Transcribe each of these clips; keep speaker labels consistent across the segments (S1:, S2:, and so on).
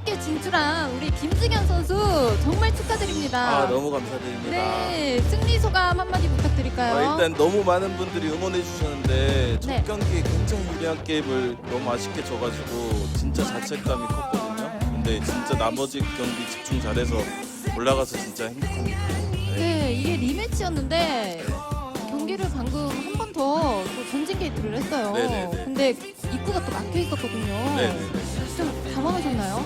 S1: 16개 진출한 우리 김승현 선수 정말 축하드립니다.
S2: 아, 너무 감사드립니다.
S1: 네, 승리 소감 한마디 부탁드릴까요?
S2: 일단 너무 많은 분들이 응원해 주셨는데 첫
S1: 네.
S2: 경기에 굉장히 유리한 게임을 너무 아쉽게 져가지고 진짜 자책감이 컸거든요. 근데 진짜 나머지 경기 집중 잘해서 올라가서 진짜 행복합니다.
S1: 네, 이게 리매치였는데 경기를 방금 한 번 더 전진 게이트를 했어요.
S2: 네네네.
S1: 근데 입구가 또 막혀 있었거든요.
S2: 네네네.
S1: 좀 당황하셨나요?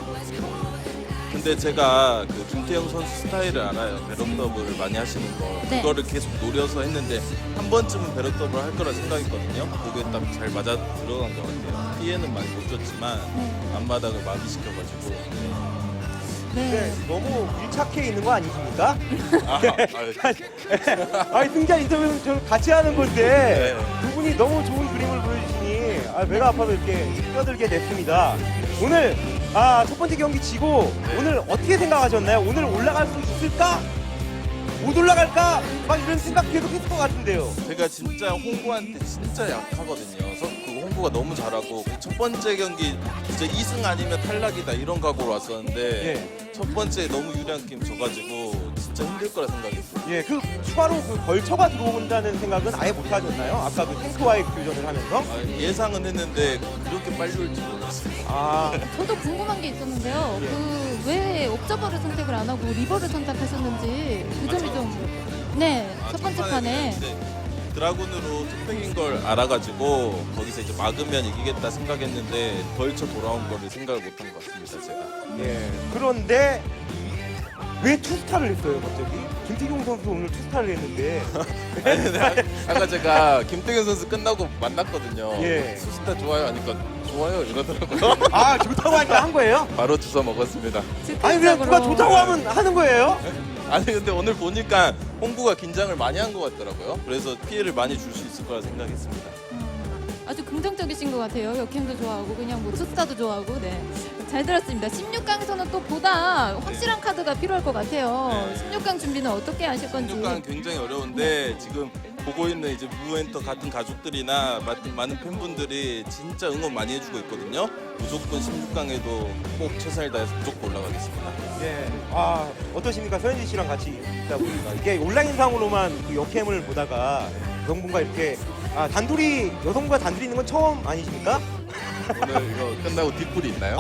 S2: 근데 제가 그 김태형 선수 스타일을 알아요. 배럿 더블을 많이 하시는 거.
S1: 네.
S2: 그거를 계속 노려서 했는데 한 번쯤은 배럿 더블 할 거라 생각했거든요. 그게 딱 잘 맞아 들어간 것 같아요. 피해는 많이 못 줬지만
S1: 네.
S2: 앞마당을 마비시켜가지고.
S3: 네, 너무 밀착해 있는 거 아니십니까?
S2: 아,
S3: 아니 승자 인터뷰는 저 같이 하는 건데
S2: 네.
S3: 두 분이 너무 좋은 그림을 보여주시니 배가 아파서 이렇게 뛰어들게 됐습니다. 오늘 첫 번째 경기 지고 오늘 어떻게 생각하셨나요? 오늘 올라갈 수 있을까? 못 올라갈까? 막 이런 생각 계속 했을 것 같은데요.
S2: 제가 진짜 홍구한테 진짜 약하거든요. 그래서 그 홍구가 너무 잘하고 첫 번째 경기 이제 2승 아니면 탈락이다 이런 각오로 왔었는데
S3: 예.
S2: 첫 번째 너무 유리한 게임 져가지고 진짜 힘들 거라 생각했어요.
S3: 예, 그 추가로 그 벌처가 들어온다는 생각은 아예 못 하셨나요? 아까 그 탱크와의 교전을 하면서?
S2: 예상은 했는데 그렇게 빨리 올 줄 몰랐어요.
S1: 저도 궁금한 게 있었는데요.
S3: 예.
S1: 그 왜 옵저버를 선택을 안 하고 리버를 선택하셨는지 그 점이 좀 첫 번째 판에
S2: 드라군으로 투팩인 걸 알아가지고 거기서 이제 막으면 이기겠다 생각했는데 벌쳐 돌아온 거를 생각을 못한 것 같습니다. 제가.
S3: 예. 그런데 왜 투스타를 했어요, 갑자기? 김태경 선수 오늘 투스타를 했는데.
S2: 아니, 근데 아까 제가 김태균 선수 끝나고 만났거든요.
S3: 예.
S2: 수스타 좋아요 하니까 좋아요 이러더라고요.
S3: 아, 좋다고 하니까 한 거예요?
S2: 바로 주워 먹었습니다.
S3: 아니, 그냥 누가 좋다고 하면 하는 거예요?
S2: 아니 근데 오늘 보니까 홍구가 긴장을 많이 한 것 같더라고요. 그래서 피해를 많이 줄 수 있을 거라 생각했습니다.
S1: 아주 긍정적이신 것 같아요. 역행도 좋아하고 그냥 뭐 투스타도 좋아하고 네. 잘 들었습니다. 16강에서는 또 보다 확실한 카드가 필요할 것 같아요.
S2: 네.
S1: 16강 준비는 어떻게 하실 건지.
S2: 16강은 굉장히 어려운데 지금 보고 있는 이제 무엔터 같은 가족들이나 많은 팬분들이 진짜 응원 많이 해주고 있거든요. 무조건 16강에도 꼭 최선을 다해서 무조건 올라가겠습니다.
S3: 예. 어떠십니까? 서현지 씨랑 같이 있다 보니까. 이게 온라인상으로만 그 역캠을 보다가 여성분과 이렇게 여성분과 단둘이 있는 건 처음 아니십니까?
S2: 오늘 이거 끝나고 뒷불이 있나요?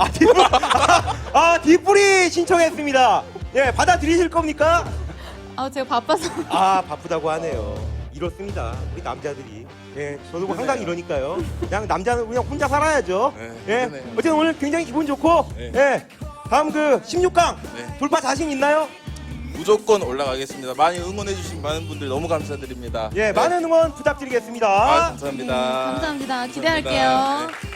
S3: 뒷불이 신청했습니다. 예, 받아들이실 겁니까?
S1: 제가 바빠서.
S3: 바쁘다고 하네요. 이렇습니다. 우리 남자들이. 예, 저도 뭐 항상 이러니까요. 그냥 남자는 그냥 혼자 살아야죠.
S2: 네,
S3: 예,
S2: 그러네요.
S3: 어쨌든 오늘 굉장히 기분 좋고,
S2: 네.
S3: 예, 다음 그 16강
S2: 네.
S3: 돌파 자신 있나요?
S2: 무조건 올라가겠습니다. 많이 응원해주신 많은 분들 너무 감사드립니다.
S3: 예,
S2: 네.
S3: 많은 응원 부탁드리겠습니다.
S2: 감사합니다.
S1: 감사합니다. 기대할게요.
S2: 네.